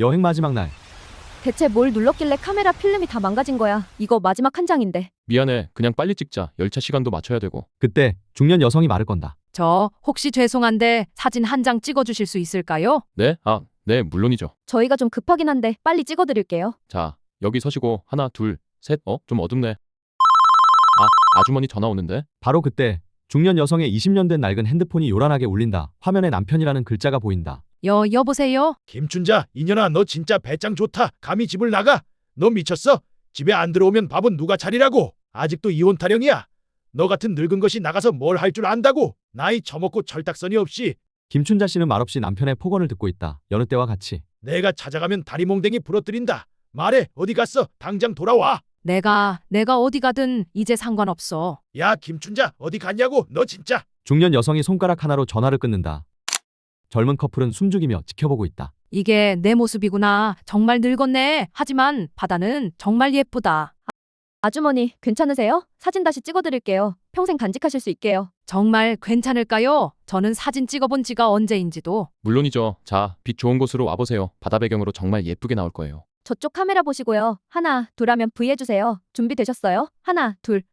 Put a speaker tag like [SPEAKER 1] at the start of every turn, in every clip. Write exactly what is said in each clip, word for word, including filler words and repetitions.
[SPEAKER 1] 여행 마지막 날.
[SPEAKER 2] 대체 뭘 눌렀길래 카메라 필름이 다 망가진 거야. 이거 마지막 한 장인데.
[SPEAKER 3] 미안해. 그냥 빨리 찍자. 열차 시간도 맞춰야 되고.
[SPEAKER 1] 그때 중년 여성이 말을 건다.
[SPEAKER 4] 저 혹시 죄송한데 사진 한 장 찍어주실 수 있을까요?
[SPEAKER 3] 네? 아, 네, 물론이죠.
[SPEAKER 2] 저희가 좀 급하긴 한데 빨리 찍어드릴게요.
[SPEAKER 3] 자, 여기 서시고 하나, 둘, 셋. 어? 좀 어둡네. 아, 아주머니 전화 오는데?
[SPEAKER 1] 바로 그때 중년 여성의 이십 년 된 낡은 핸드폰이 요란하게 울린다. 화면에 남편이라는 글자가 보인다.
[SPEAKER 4] 여 여보세요?
[SPEAKER 5] 김춘자, 이년아, 너 진짜 배짱 좋다. 감히 집을 나가? 너 미쳤어? 집에 안 들어오면 밥은 누가 차리라고? 아직도 이혼 타령이야? 너 같은 늙은 것이 나가서 뭘 할 줄 안다고? 나이 처먹고 철딱서니 없이.
[SPEAKER 1] 김춘자 씨는 말없이 남편의 폭언을 듣고 있다. 여느 때와 같이.
[SPEAKER 5] 내가 찾아가면 다리몽댕이 부러뜨린다. 말해, 어디 갔어? 당장 돌아와.
[SPEAKER 4] 내가 내가 어디 가든 이제 상관없어.
[SPEAKER 5] 야, 김춘자, 어디 갔냐고? 너 진짜.
[SPEAKER 1] 중년 여성이 손가락 하나로 전화를 끊는다. 젊은 커플은 숨죽이며 지켜보고 있다.
[SPEAKER 4] 이게 내 모습이구나. 정말 늙었네. 하지만 바다는 정말 예쁘다.
[SPEAKER 2] 아주머니, 괜찮으세요? 사진 다시 찍어드릴게요. 평생 간직하실 수 있게요.
[SPEAKER 4] 정말 괜찮을까요? 저는 사진 찍어본 지가 언제인지도.
[SPEAKER 3] 물론이죠. 자, 빛 좋은 곳으로 와보세요. 바다 배경으로 정말 예쁘게 나올 거예요.
[SPEAKER 2] 저쪽 카메라 보시고요. 하나, 둘 하면 V 해주세요. 준비되셨어요? 하나, 둘.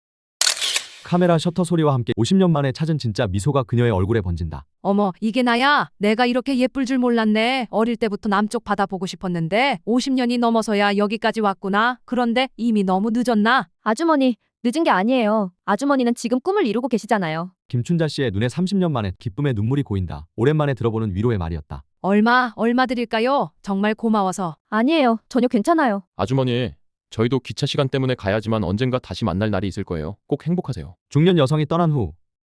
[SPEAKER 1] 카메라 셔터 소리와 함께 오십 년 만에 찾은 진짜 미소가 그녀의 얼굴에 번진다.
[SPEAKER 4] 어머, 이게 나야? 내가 이렇게 예쁠 줄 몰랐네. 어릴 때부터 남쪽 바다 보고 싶었는데 오십 년이 넘어서야 여기까지 왔구나. 그런데 이미 너무 늦었나?
[SPEAKER 2] 아주머니, 늦은 게 아니에요. 아주머니는 지금 꿈을 이루고 계시잖아요.
[SPEAKER 1] 김춘자 씨의 눈에 삼십 년 만에 기쁨의 눈물이 고인다. 오랜만에 들어보는 위로의 말이었다.
[SPEAKER 4] 얼마, 얼마 드릴까요? 정말 고마워서.
[SPEAKER 2] 아니에요. 전혀 괜찮아요.
[SPEAKER 3] 아주머니, 저희도 기차 시간 때문에 가야지만 언젠가 다시 만날 날이 있을 거예요. 꼭 행복하세요.
[SPEAKER 1] 중년 여성이 떠난 후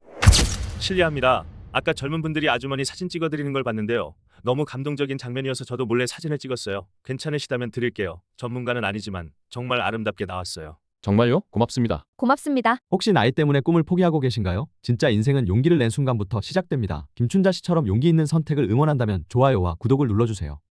[SPEAKER 6] 실례합니다. 아까 젊은 분들이 아주머니 사진 찍어드리는 걸 봤는데요. 너무 감동적인 장면이어서 저도 몰래 사진을 찍었어요. 괜찮으시다면 드릴게요. 전문가는 아니지만 정말 아름답게 나왔어요.
[SPEAKER 3] 정말요? 고맙습니다.
[SPEAKER 2] 고맙습니다.
[SPEAKER 1] 혹시 나이 때문에 꿈을 포기하고 계신가요? 진짜 인생은 용기를 낸 순간부터 시작됩니다. 김춘자 씨처럼 용기 있는 선택을 응원한다면 좋아요와 구독을 눌러주세요.